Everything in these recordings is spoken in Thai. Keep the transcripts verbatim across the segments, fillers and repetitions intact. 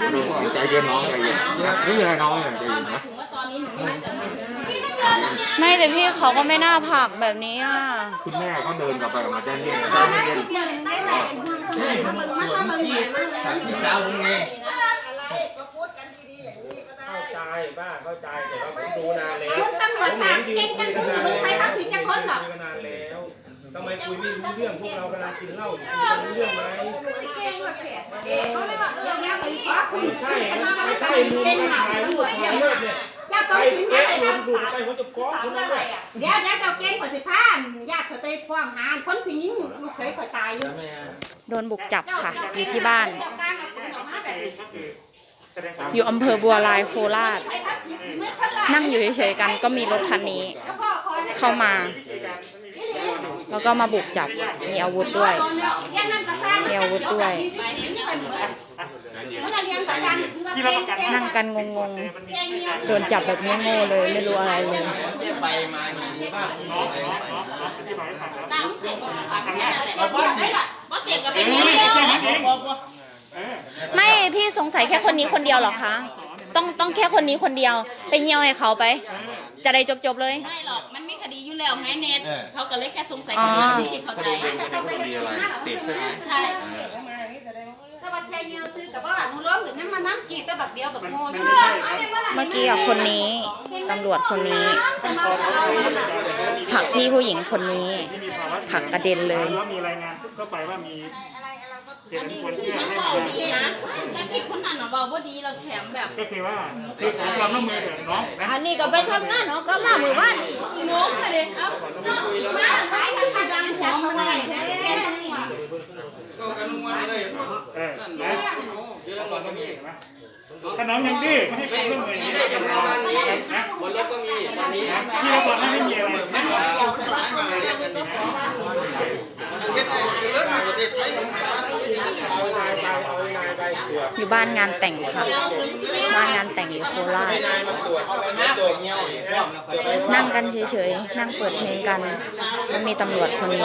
ใจเย็นน้องใจเย็นไม่มีอะไรน้องเลยใจเย็นนะไม่แต่พี่เขาก็ไม่น่าผลักแบบนี้อ่ะคุณแม่เขาเดินกลับไปกลับมาใจเย็นใจเย็นนี่มันส่วนที่พี่สาวผมไงเข้าใจบ้าเข้าใจแต่ว่าผมดูนานแล้วคุณตำรวจตามเก่งจังคุณมึงใครทำผิดจะคนหรอคุยกันนานแล้วทำไมคุยไม่รู้เรื่องพวกเรากำลังกินเหล้าอยู่คุยกันรู้เรื่องไหมเก่งว่ะแขกเก่งเขาเลยว่าเออแล้วไปควักคุณใช่ไม่ใช่ลุงมาถ่ายรูปถ่ายเลิกเนี่ยญาติต้องกินยังไงนะดูไปผมจะฟ้องคุณด้วยเดี๋ยวเดี๋ยวเราเก่งขอสิพานญาติเขาไปฟ้องหาคนที่ยิงลูกเขยขอตายอยู่โดนบุกจับค่ะอยู่ที่บ้านอยู่อำเภอบัวลายโคราชนั่งอยู่เฉยๆกันก็มีรถคันนี้เข้ามาแล้วก็มาบุกจับมีอาวุธด้วยมีอาวุธด้วยนั่งกันงงๆโดนจับแบบโง่ๆเลยไม่รู้อะไรเลยไปมาอยู่บ้านตามเสียงของค่ะแค่นั้นแหละว่าเสียงกับเป็นยังไงไม่พี่สงสัยแค่คนนี้คนเดียวหรอคะต้องต้องแค่คนนี้คนเดียวไปเงี่ยวให้เขาไปจะได้จบๆเลยไม่หรอกมันมีคดีอยู่แล้วไงเน็ตเขาก็เลยแค่สงสัยคนนั้นที่เข้าใจใช่ถ้าว่าแค่เงียวซื้อกับว่าหนูร้องถึงน้ำมันน้ำกีตะบักเดียวแบบโง่เมื่อกี้อ่ะคนนี้ตำรวจคนนี้ผลักพี่ผู้หญิงคนนี้ผลักกระเด็นเลยมีรายงานเข้าไปว่ามีเห็นคนที่ให้มาดีนะแต่พี่คนนั้นเบาว่าดีเราแถมแบบก็คือว่าคือขอความร่วมมือเถอะน้องอันนี้ก็ไปทำงานเนาะก็มาหมู่บ้านงงเลยเอ้ามาขายทางดังจับเขาไว้นะแค่นั้นเองก็กันลงมาเลยเออนะขนมยังดื้อไม่ใช่คนเรื่องอะไรนี่จะประมาณนี้นะบนรถก็มีตอนนี้ที่เราบอกให้ไม่มีอะไรนะอยู่บ้านงานแต่งค่ะบ้านงานแต่งอยู่โคราชนั่งกันเฉยๆนั่งเปิดเพลงกันแล้วมีตำรวจคนนี้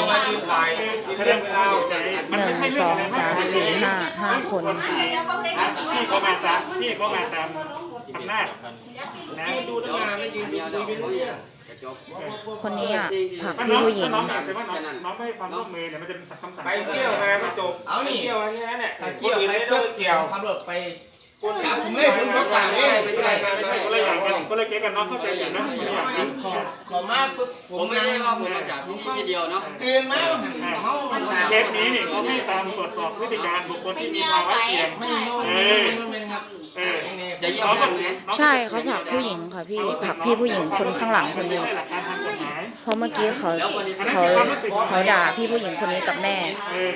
หนึ่งสองสามสี่ห้าห้าคนที่เขามาตามที่เขามาตามอำนาจนะดูตั้งนานแล้วยืนดูไปเรื่อยคนนี้อ่ะผลักพี่ผู้หญิงน้องแต่ว่าน้องไม่ให้ความร่วมมือเนี่ยมันจะคำสั่งไปเที่ยวมาก็จบเอานี่เที่ยวอะไรนี้เนี่ยถ้าเที่ยวไม่ได้เกี่ยวขับรถไปจับผมเลยผมบอกว่าเอ้ยไม่ใช่ไม่ใช่ก็เลยอย่างกันก็เลยเกี่ยวกันน้องเข้าใจอย่างนั้นขอขอมาปุ๊บผมไม่ได้ว่าผมมาจากที่เดียวเนาะตื่นมาเมาเคสนี้นี่เขาไม่ตามตรวจสอบพฤติการบุคคลที่มีภาวะเสี่ยงไม่เมาไม่ครับจะยอมไหมใช่เขาผลักผู้หญิงค่ะพี่ผลักพี่ผู้หญิงคนข้างหลังคนนี้เพราะเมื่อกี้เขาเขาเขาด่าพี่ผู้หญิงคนนี้กับแม่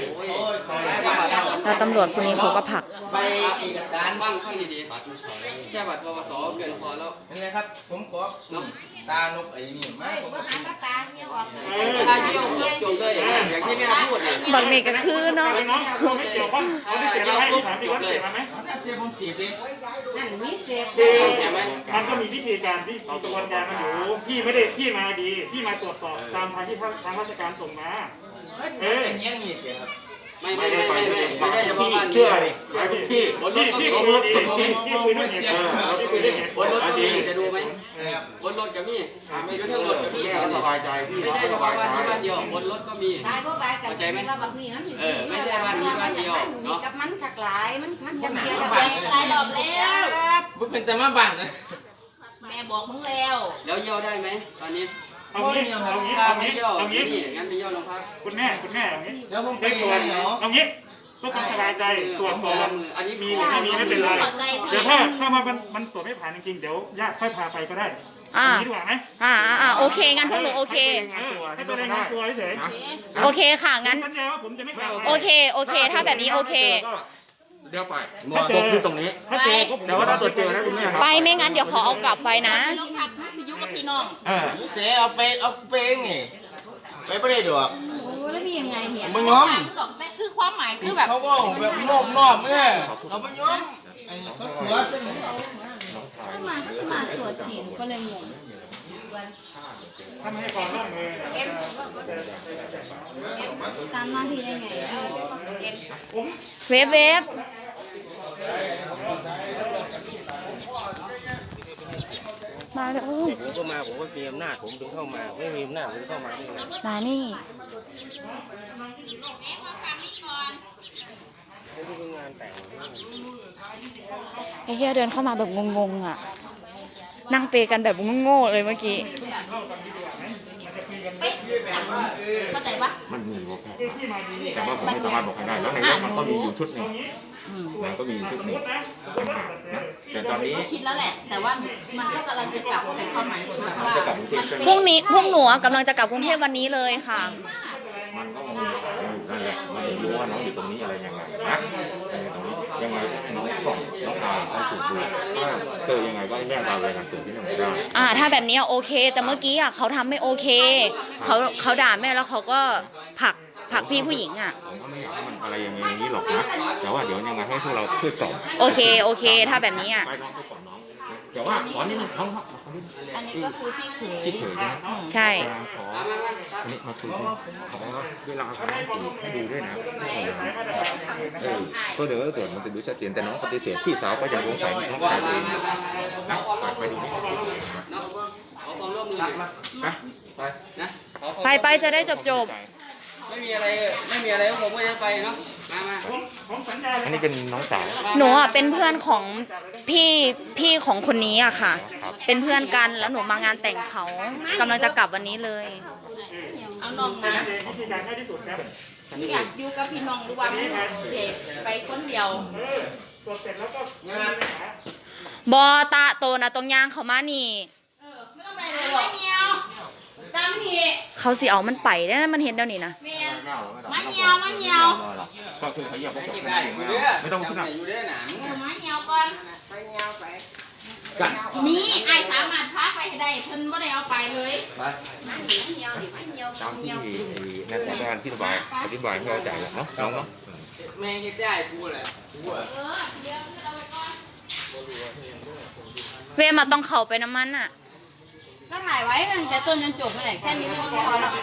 แล้วตำรวจคนนี้เขาก็ผลักไปเอกสารบ้างค่อยดีๆแค่บัตรปวสเกินพอแล้วนี่นะครับผมขอตานกไอ้นี่มาผมก็ตาเงี้ยออกตาเยี่ยวเพื่อจบเลยอย่างที่แม่พูดเลยบักเมกก็คือเนาะไม่เกี่ยวข้องเขาไม่เสียอะไรถามพี่ว่าเสียไหมเสียผมเสียเลยนั่นมีเสียมันก็มีวิธีการที่กระบวนการมันอยู่พี่ไม่ได้พี่มาดีพี่มาตรวจสอบตามทางที่ทางราชการส่งมาเอออย่างเงี้ยมีเสียครับไม่ไม่ไม่ไม่ไม่ได้เฉพาะบ้านเชื่อดิพี่บนรถก็มีบนรถก็มีพี่คุยด้วยเหตุพี่คุยด้วยเหตุบนรถก็มีจะดูไหมบนรถก็มีไม่รู้ทั้งรถก็มีสบายใจพี่ไม่ใช่เฉพาะบ้านนี้บ้านเดียวบนรถก็มีเข้าใจไหมเออไม่ใช่บ้านนี้บ้านเดียวเนาะกับมันขักหลายมันมันจะเกี่ยวกับหลายรอบแล้วบุเป็นแต่มาบ้านนะแม่บอกมึงแล้วแล้วเยี่ยวได้ไหมตอนนี้เอางี้เอางี้เอางี้เอางี้งั้นไปเยี่ยวโรงพักคุณแม่คุณแม่เอางี้เดี๋ยวผมไปตรวจเอางี้ก็ต้องสบายใจตรวจสอบอันนี้มีหรือไม่มีไม่เป็นไรเดี๋ยวถ้าถ้ามันมันตรวจไม่ผ่านจริงๆเดี๋ยวญาติค่อยพาไปก็ได้อ่าดีกว่าไหมอ่าอ่าโอเคงั้นพวกหนูโอเคให้ไปรายงานตัวเฉยโอเคค่ะงั้นโอเคโอเคถ้าแบบนี้โอเคเดี๋ยวไปตกอยู่ตรงนี้แต่ว่าถ้าตรวจเจอนะคุณแม่ครับไปไม่งั้นเดี๋ยวขอเอากลับไปนะโรงพักสิยุกับพี่น้องเสียเอาไปเอาไปไงไปไม่ได้ดอกโอ้แล้วมียังไงเนี่ยมันย้อมแต่คือความหมายคือแบบเขาก็แบบนอบนอบเมื่อเราไม่ย้อมไอ้เขาหัวเป็นมามาตรวจฉี่ก็เลยงงถ้าไม่ให้ความร่วมมือตามหน้าที่ได้ไงเว็บเว็บมาแล้วผมก็มาผมก็มีอำนาจผมถึงเข้ามาไม่มีอำนาจผมเข้ามาได้ไงมานี่ไม่ได้งานแต่งไอ้เหี้ยเดินเข้ามาแบบงงๆอ่ะ นั่งเปกันแบบโง่ๆเลยเมื่อกี้เข้าใจปะมันมีบอกแต่ว่าผมไม่สามารถบอกใครได้แล้วในเรื่องมันก็มีอยู่ชุดหนึ่งมันก็มีอยู่ชุดหนึ่งนะแต่ตอนนี้ก็คิดแล้วแหละ แต่ว่ามันก็กำลังจะกลับแต่ความหมายคือว่ามันพรุ่งนี้พวกหนูอะกำลังจะกลับกรุงเทพวันนี้เลยค่ะมันก็มีสายอยู่นั่นแหละมันไม่รู้ว่าน้องอยู่ตรงนี้อะไรยังไงนะตรงนี้ยังไงน้องต้องน้องทางต้องถูกดูถ้าเจอยังไงว่าแม่ตาเลยนะตัวที่นั่นไม่ได้อ่า ถ้าแบบนี้โอเค แต่เมื่อกี้อ่ะเขาทำไม่โอเค เขาเขาด่าแม่แล้วเขาก็ผลักผลักพี่ผู้หญิงอ่ะผมก็ไม่อยากให้มันอะไรอย่างนี้อย่างนี้หรอกนะแต่ว่าเดี๋ยวยังไงให้พวกเราช่วยกล่อมโอเคโอเค ถ้าแบบนี้อ่ะไปน้องไปก่อนน้องเดี๋ยวว่าขอนิดนึงน้องครับอันนี้ก็คือพี่เขยคิดเถอะนะใช่ขออันนี้มาคุยขอเวลาเขาให้ดูด้วยนะเออก็เดี๋ยวเกิดมันจะดูชัดเจนแต่น้องปฏิเสธพี่สาวก็ยังสงสัยน้องชายตัวเองนะไปดูนี่ขอความร่วมมือไปไปนะขอความไปไปจะได้จบจบไม่มีอะไรไม่มีอะไรผมก็จะไปเนาะมามาผมสัญญาอันนี้เป็นน้องสาวหนูอ่ะเป็นเพื่อนของพี่พี่ของคนนี้อ่ะค่ะ เป็นเพื่อนกันแล้วหนูมางานแต่งเขากำลังจะกลับวันนี้เลยเอาน้องมาวิธีการง่ายที่สุดครับอยากอยู่กับพี่น้องหรือว่าเจ็บไปคนเดียวเออตรวจเสร็จแล้วก็บอตาโตนะตรงย่างเขามานี่ไม่ต้องไปเลยหรอกเงียวตามนี่เขาสิเอามันไปได้นะมันเห็นเดี๋ยวนี้นะมาเงียวมาเงียวก็คือเขาอยากบอกไม่ต้องขึ้นอ่ะอยู่ได้หนาเออมาเงียวก่อนไปเงาไปนี่ไอ้สามารถพาไปได้เพิ่นไม่ได้เอาไปเลยตามที่นักการที่อธิบายอธิบายให้เข้าใจเนาะน้องเนาะแม่งจะได้พูดแหละพูดเออเดี๋ยวเราไปก่อนเวมาต้องเข้าไปน้ำมันอ่ะก็ถ่ายไว้ตั้งแต่ต้นจนจบเลยแค่นี้ก็พอแล้ว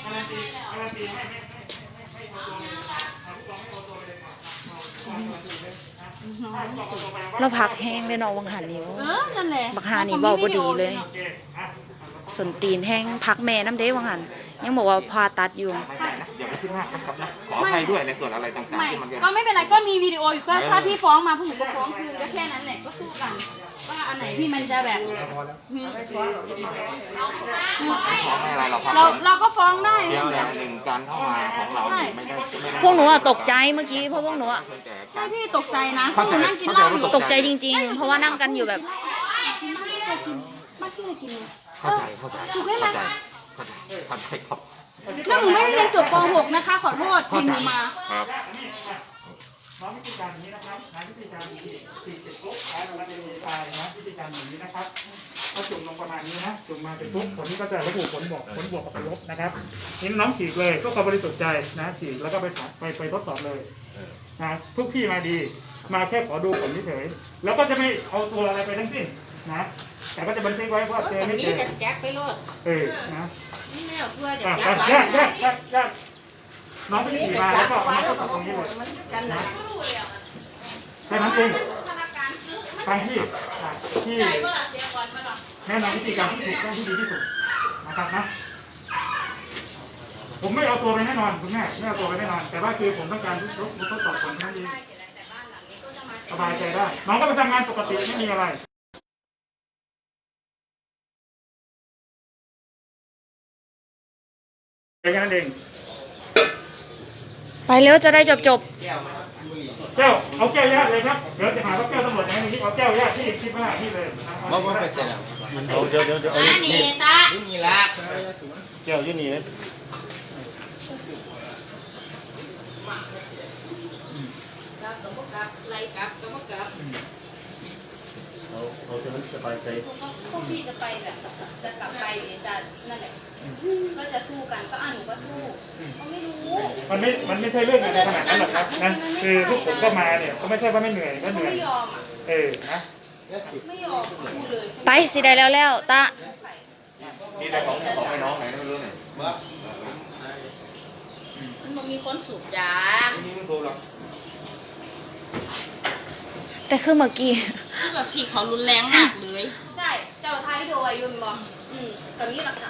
เราพักแห้งเลยเนาะวังหันนิ้วเออนั่นแหละบักฮานี่เบาบ่ดีเลย สนตีนแห้งพักแม่น้ำเด้วังหันยังบอกว่าพาตัดอยู่อย่าไปคิดมากนะครับนะขออภัยด้วยในส่วนอะไรต่างไม่ๆที่มันก็ไม่เป็นไรก็มีวิดีโออยู่ก็ถ้าพี่ฟ้องมาพวกหนูก็ฟ้องคืนก็แค่นั้นแหละก็สู้กันว่าอันไหนที่มันจะแบบขอไม่อะไรหรอกครับเราเราก็ฟ้องได้เดียวอย่างหนึ่งการเข้ามาของเราไม่ได้ไม่ได้พวกหนูอะตกใจเมื่อกี้เพราะพวกหนูอะใช่พี่ตกใจนะพวกหนูนั่งกินเหล้าอยู่ตกใจจริงๆ เพราะว่านั่งกันอยู่แบบมาที่ไหนกินเลยเข้าใจเข้าใจเข้าใจเข้าใจเข้าใจครับแล้วหนูไม่ได้เรียนจบป หก นะคะขอโทษที่หนูมาครับน้องวิธีการนี้นะครับนะวิธีการฉีดฉีดเสร็จปุ๊บแล้วเราจะมีปลายนะวิธีการอย่างนี้นะครับก็จุ่มลงประมาณนี้นะจุ่มมาเสร็จปุ๊บผลนี้ก็จะระบุผลบวกผลบวกกับผลลบนะครับนี่น้องฉีดเลยก็ความบริสุทธิ์ใจนะฉีดแล้วก็ไปไปไปทดสอบเลยนะทุกที่มาดีมาแค่ขอดูผลเฉยๆแล้วก็จะไม่เอาตัวอะไรไปทั้งสิ้นนะแต่ก็จะบันทึกไว้ว่าเจอไม่เจอแจ็คไปโลดเออนะนี่แม่เพื่อจะอ่ะแจ็คอ่ะไว้แยกแยกแยกแยกน้องไปฉีดมาแล้วก็เอามาทดสอบตรงนี้เลยนะแค่นั้นเองฟังที่อ่ะที่แนะนำวิธีการที่ถูกต้องที่ดีที่สุดนะครับนะผมไม่เอาตัวไปแน่นอนคุณแม่ไม่เอาตัวไปแน่นอน แต่ว่าคือผมต้องการทดทดสอบผลแค่นี้สบายใจได้น้องก็ไปทำงานปกติไม่มีอะไรแค่นั้นเองไปเร็วจะได้จบจบแก้วเอาแก้วญาติเลยครับเดี๋ยวจะหาว่าแก้วตำรวจไหนนี่เอาแก้วญาติที่ที่บ้านที่เลยว่าว่าไปเสร็จแล้วเดี๋ยวเดี๋ยวเดี๋ยวอ่ะนี่ตานี่มีละแก้วยี่นี่เลยไล่กลับก็มากลับเขาจะสบายใจพวกพี่จะไปแบบจะกลับไปจะนั่นแหละก็จะสู้กันก็อ่ะหนูก็สู้เขาไม่รู้มันไม่ มันไม่ใช่เรื่องอะไรขนาดนั้นหรอกครับนะ คือพวกผมก็มาเนี่ยก็ไม่ใช่ว่าไม่เหนื่อยก็เหเขานื่อยไม่ยอมอ่ะเออ นะไม่ยอมพูดเลยไปสิได้แล้วแล้วตานี่แต่ของของไอ้น้องไหนไม่รู้เนี่ยมันบ่มีคนสูบยานี่ไม่รู้หรอกแต่คือเมื่อกี้คือแบบพี่เขารุนแรงมากเลยใช่เจ้าท้ายวิดีโอไว้อยยุ่นบอกอืมตอนนี้ราคา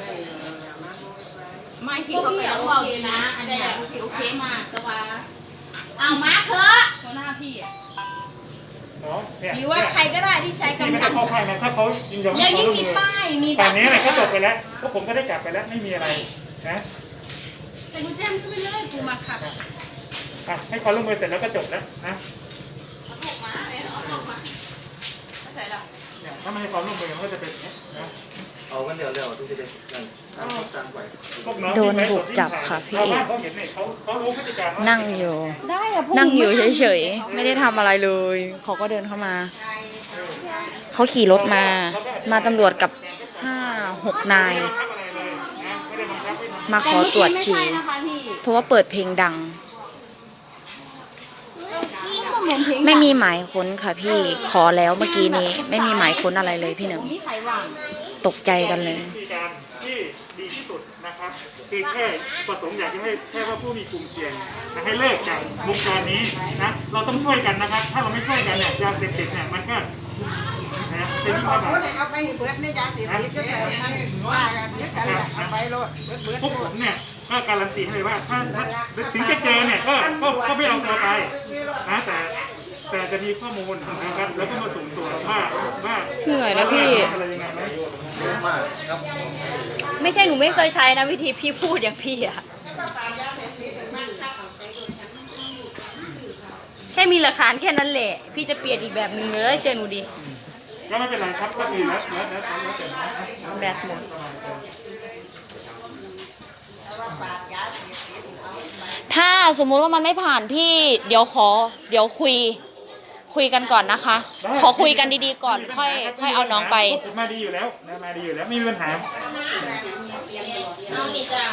ไม่พี่เขาก็ยังบอกอยู่นะ อันเนี้ยพี่โอเคมากแต่ว่าเอามาเถอะหัวหน้าพี่อ่ะเนาะเนี่ยหรือว่าใครก็ได้ที่ใช้พี่ไม่กำลัต้อง งเข้าข้างนะถ้าเขายินยอมยังให้ยิ่งเขามีลงมือป้ายมีตอนนี้เนี่ยก็จบไปแล้วพวกผมก็ได้กลับไปแล้วไม่มีอะไรนะแต่กูแจ้งขึ้นไปเลยกูมาขับอ่ะให้ความร่วมมือเสร็จแล้วก็จบแล้วนะถูกมาเอาออกมาไม่ใช่หรอกเนี่ยถ้าไม่ให้ความร่วมมือมันก็จะเป็นอย่างนี้นะเอากันเดี๋ยวเดี๋ยวทุกทีเด็กกันตามไปพวกน้องโดนบุกจับค่ะพี่เอกเขาเห็นเนี่ยเขาเขารู้พฤติการว่านั่งอยู่ นั่งอยู่เฉยๆ ไม่ได้ทำอะไรเลย เขาก็เดินเข้ามา เขาขี่รถมา มาตำรวจกับห้าหกนายไม่ได้บังคับอะไรเลยนะไม่ได้บังคับให้ทำมาขอตรวจฉี่แต่เมื่อกี้ไม่ใช่นะคะพี่เพราะว่าเปิดเพลงดังก็เหมือนเพลงไม่มีหมายค้นค่ะพี่ ขอแล้วเมื่อกี้นี้ ไม่มีหมายค้นอะไรเลยพี่หนึ่งมีใครว่างตกใจกันเลยวิธีการที่ดีที่สุดนะครับคือแค่ประสงค์อยากจะให้แค่ว่าผู้มีกลุ่มเสี่ยงนะให้เลิกจากวงการนี้นะเราต้องช่วยกันนะครับ ถ้าเราไม่ช่วยกันเนี่ยยาเสพติดเนี่ยมันก็นะเป็นยิ่งระบาดเอาไปเบิดในยาเสพติดก็แต่มันว่ากันเยอะกันแหละเอาไปโลดเบิดเบิดพวกผมเนี่ยก็การันตีให้เลยว่าถ้าถ้าถึงจะเจอเนี่ยก็ก็ก็ไม่เอาตัวไปนะแต่แต่จะมีข้อมูลนะครับแล้วก็มาส่งตัวว่าว่าเหนื่อยนะพี่อะไรยังไงไหมไม่ใช่หนูไม่เคยใช้นะวิธีพี่พูดอย่างพี่อะแค่มีหลักฐานแค่นั้นแหละพี่จะเปลี่ยนอีกแบบหนึ่งเลยเชื่อหนูดิก็ไม่เป็นไรครับก็คือแล้วแล้วแล้วแล้วแต่นะแบบหมดถ้าสมมุติว่ามันไม่ผ่านพี่ เดี๋ยวขอ เดี๋ยวคุย คุยกันก่อนนะคะ ขอคุยกันดีๆก่อน ค่อย ค่อยเอาน้องไปมาดีอยู่แล้วนะมาดีอยู่แล้วไม่มีปัญหาเอานี่จ้ะ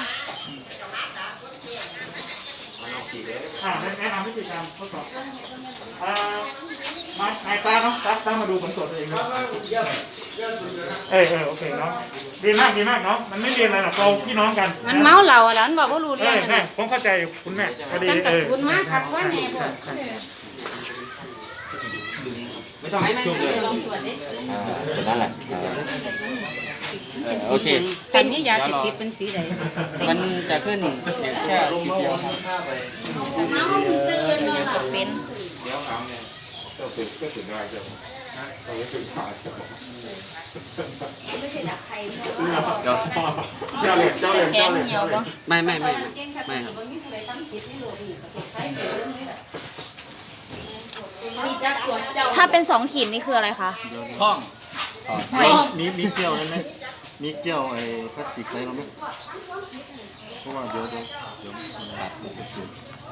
อ่าแนะนำวิธีการทดสอบอ่ามาไอ้ตาเนาะตาตามาดูผลตรวจตัวเองเนาะเออเออโอเคเนาะดีมากดีมากเนาะมันไม่เรียนอะไรหรอกเราพี่น้องกันมันเมาเหล้าอ่ะแล้วมันบอกว่ารู้เอเรื่องอแม่ผมเข้าใจคุณแม่พอดีกันกับเออคุณมากครับว่าแน่พวกไม่ต้องจุ่มเลยเป็นนั่นแหละโอเคเป็นนี่ยาเสพติดเป็นสีใดมันจะขึ้นแค่ขีดเดียวครับเป็นเดี๋ยวน้ำเนี่ยก็ฝึกก็ฝึกได้เจ้าเราไม่ฝึกขาดเจ้าเดี๋ยวเจ้าเลยเจ้าเลยแกเจ้าง เลยเหี่ยวปะไม่ไม่ไม่ไม่ครับมีจักตรวจเจ้าถ้าเป็นสองขีดนี่คืออะไรคะท่องหอยมีมีเกลียวนั่นไหมมีเกลียวไอ้พลาสติกใส่เราไหมเพราะว่าเดี๋ยวเดี๋ยวเดี๋ยวมันตัดมันจะจุด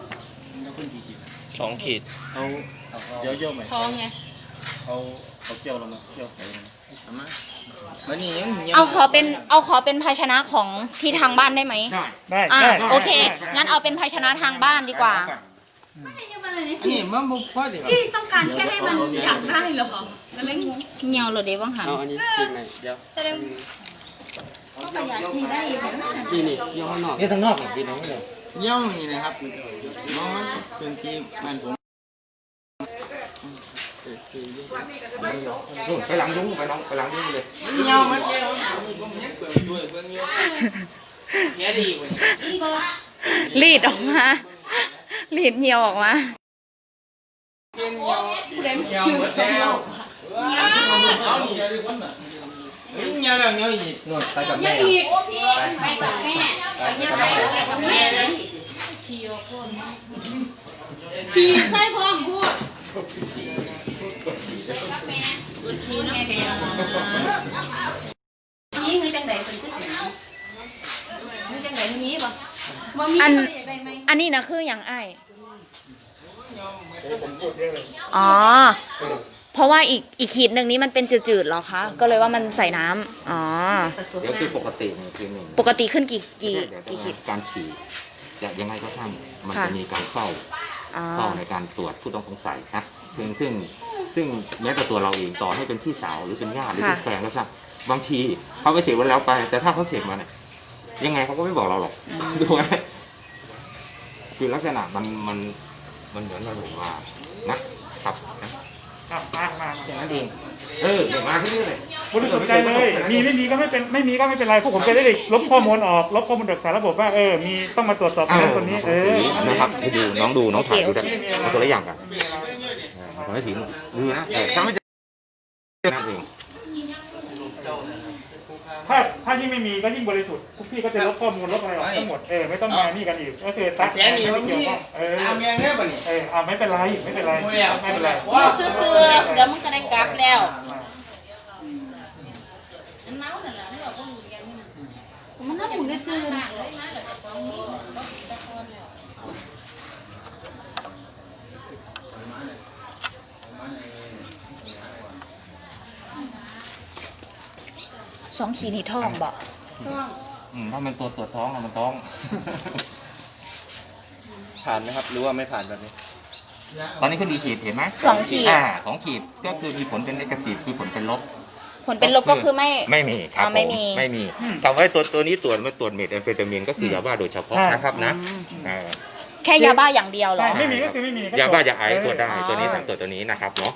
สองขีดเอาเดี๋ยวเยี่ยวไหมท้องไงเอาเอาเกลียวเรามาเกลียวใส่เราเอามาวันนี้ยังยังเอาขอเป็น เอาขอเป็นภาชนะของที่ทางบ้านได้ไหมได้อ่าได้โอเค งั้นเอาเป็นภาชนะทางบ้านดีกว่าไม่ใช่มันอะไรนี่อันนี้มันบุกพอดีครับพี่ต้องการแค่ให้มันอยากได้เหรอมันไม่งงเหี่ยวเหรอเดี๋ยวบ้างหันเอาอันนี้ขีดไหนเดี๋ยวแสดงก็ประหยัดที่ได้อยู่นะนี่นี่เดี๋ยวข้างนอกนี่ทางนอกพี่น้องเลยเยี่ยวนี่นะครับน้องมันเป็นที่บ้านผมนู่นไปหลังยุ้งไปน้องไปหลังยุ้งเลยเยี่ยวมันเยี่ยวนี่ผมยังเปิดด้วยเบิ่งเยี่ยวแค่ดีกว่ารีดออกมารีดเหี่ยวออกมาเยี่ยวเล่นชิวสมองเอาอีกเยี่ยวแล้วเยี่ยวอีกนู่นไปกับยัแม่งอีกไปกับแม่ไปกับแม่เลยพี่ใส่พร้อมพูดดูทีนะนี่คือจังไดเป็นที่ไหนนี่จังไดมีบ่ว่ามีอันใครอยากได้ไหมอันนี้นะคืออย่างไอายผมพูดเยอะเลยอ๋อ เพราะว่าอีกอีกขีดหนึ่งนี้มันเป็นจืดๆเหรอคะ ก็เลยว่ามันใส่น้ำอ๋อเดี๋ยวคือปกติเนี่ยคือหนึ่งปกติขึ้นกี่กี่เดี๋ยวกี่ขีดการฉี่จะยังไงก็ช่างมันค่ะจะมีการเฝ้าอ๋อเฝ้าในการตรวจผู้ต้องสงสัยนะซึ่งซึ่งซึ่งแม้แต่ตัวเราเองต่อให้เป็นพี่สาวหรือเป็นญาติหรือเป็นแฟนก็ช่างบางทีเขาไปเสกวันแล้วไป แต่ถ้าเขาเสกมาเนี่ยยังไงเขาก็ไม่บอกเราหรอกดูไหมคือลักษณะมันมันมันเหมือนเราบอกว่านะครับนะครับมามาแค่นั้นเองมเออเดี๋ยวมาที่นี่เลยบริสุทธิ์ใจเลยมีไม่มีก็ไม่เป็นไม่มีก็ไม่เป็นไรพวกผมจะได้ลบข้อมูลออกลบข้อมูลจากสารระบบว่าเออมีต้องมาตรวจสอบคนนั้นคนนี้เออนะครับให้ดูน้องดูน้องถ่ายดูได้เอาตัวละอย่างกันขอให้สีดูนะแต่ถ้าไม่เจอนั่นเองถ้าถ้ายิ่งไม่มีก็ยิ่งบริสุทธิ์ทุกพี่ก็จะลบข้อมูลลบอะไรออกทั้งหมดเออไม่ต้องมานี่กันอีกก็คือตัดแค่นี้ไม่เกี่ยวข้องเออเออเอาไม่เป็นไรไม่เป็นไรไม่เป็นไรซื้อๆเดี๋ยวมันก็ได้กลับแล้วมันน่าหุ่นเลยตื่นสองขีดนี่ท่องบ่อืมถ้ามันตัวตรวจท้องมันท้องผ่านไหมครับหรือว่าไม่ผ่านแบบนี้ตอนนี้ขึ้นดีขีดเห็นไหมสองขีดอ่าสองขีดก็คือมีผลเป็นเนกาทีฟคือผลเป็นลบผลเป็นลบก็คือไม่ไม่มีครับอ๋อไม่มีผไม่มีแต่ว่าตัวตัวนี้ตรวจไม่ตรวจเมทแอมเฟตามีนก็คือยาบ้าโดยเฉพาะนะครับนะอ่าแค่ยาบ้าอย่างเดียวเหรอไม่มีก็คือไม่มียาบ้าจะไอซ์ตรวจได้อ๋อตัวนี้สั่งตรวจตัวนี้นะครับเนาะ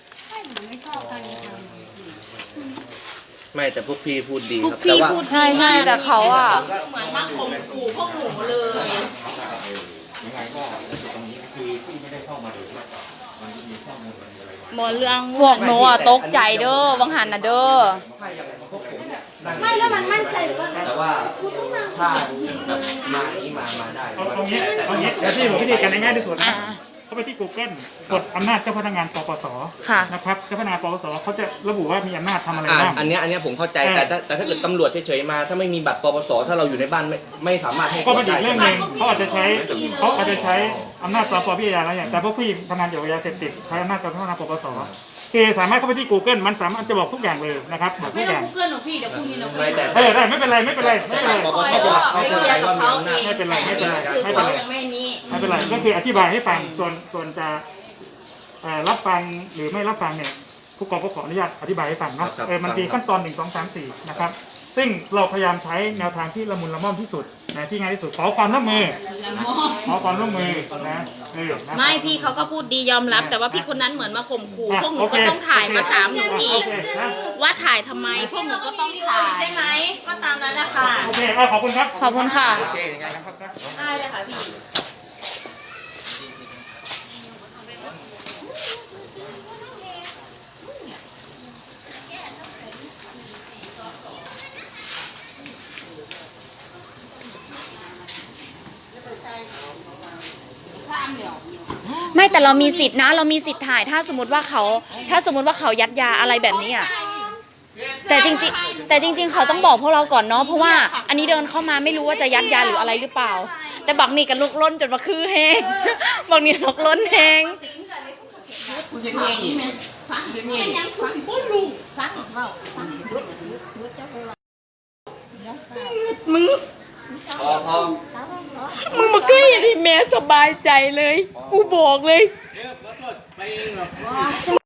ไม่แต่พวกพี่พูดดีพวคกรับแต่พี่ว่าพูดใช่ใช่แต่เขาอ่ะเหมือนมาข่มขู่พวกหนูเลยยังไงก็ตรงนี้คือที่ไม่ได้เข้ามาดูว่ามันมีข้อมูลมันมีอะไรมาหมอเรื่องพวกหนูอ่ะตกใจเด้อวังหันนะเด้อไม่แล้วมันมั่นใจว่าแต่ว่าถ้าแบบมานี้มามาได้เอาตรงนี้ตรงนี้เดี๋ยวที่ผมวิธีการง่ายที่สุดอ่านะเข้าไปที่ Google กดอำนาจเจ้าพนักงานปปสค่ะนะครับเจ้าพนักงานปปสเขาจะระบุว่ามีอำนาจทำอะไรอ่าบ้างอันเนี้ยอันเนี้ยผมเข้าใจเออแต่ถ้าแต่ถ้าเกิดตำรวจเฉยๆมา ถ้าไม่มีบัตรปปสถ้าเราอยู่ในบ้านไม่ไม่สามารถให้ก็เป็นอีกเรื่องหนึ่งใช่ไมเขาอาจจะใช้เขาอาจจะใช้อำนาจปปพิจารณาอะไรอย่างแต่พวกพี่ทำงานเกี่ยวกับยาเสพติดใช้อำนาจการพัฒนาปปสคือสามารถเข้าไปที่ Google มันสามารถจะบอกทุกอย่างเลยนะครับบอกไม่ทุกอต้องย่างกูเกิลหรอกพี่เดี๋ยวพรุ่งนี้เราไม่แต่เออได้ไม่เป็นไรไม่เป็นไรไม่เป็นไรปปสไม่จะไปเคลียร์กับเขาเองไม่เป็นไรไม่เป็นไรคือไม่เป็นเขาไรยังไม่นี้ไม่เป็นไรก็คืออธิบายให้ฟังส่วนส่วนจะเอ่อรับฟังหรือไม่รับฟังเนี่ยผู้กองก็ขออนุญาตอธิบายให้ฟังเนาะครับเออมันมีขั้นตอนหนึ่งสองสามสี่นะครับซึ่งเราพยายามใช้แนวทางที่ละมุนละม่อมที่สุดนะที่ง่ายที่สุดขอความร่วมมือขอความร่วมมือนะเออนะไม่พี่เขาก็พูดดียอมรับ แต่ว่าพี่คนนั้นเหมือนมาข่มขู่อ่ะพวกหนูโอเคก็ต้องถ่ายมาถามหนูอีกโเคนะว่าถ่ายทำไม พวกหนูก็ต้องถ่ายใช่ไหมก็ตามนั้นแหละค่ะโอเคเอาขอบคุณครับขอบคุณค่ะโอเคยังไงนะครับได้เลยค่ะพี่ไม่แต่เรามีสิทธินะ เรามีสิทธิ์ถ่ายถ้าสมมติว่าเขา ถ้าสมมติว่าเขายัดยาอะไรแบบนี้อ่ะแต่จริงๆแต่จริง ๆ เขาต้องบอกพวกเราก่อนเนาะเพราะว่าอันนี้เดินเข้ามาไม่รู้ว่าจะยัดยาหรืออะไรหรือเปล่า แต่บักนี่กันลุกล้นจนมาคือแห้ง บักนี่ลุกล้นแห้งคุณจะเงี้ยอีกไหมฟังเงี้ยยังคุณสิบ่รู้ฟังเปล่าฟังมึงพอพอมึงมาใกล้อย่างที่แม่สบายใจเลย กูบอกเลย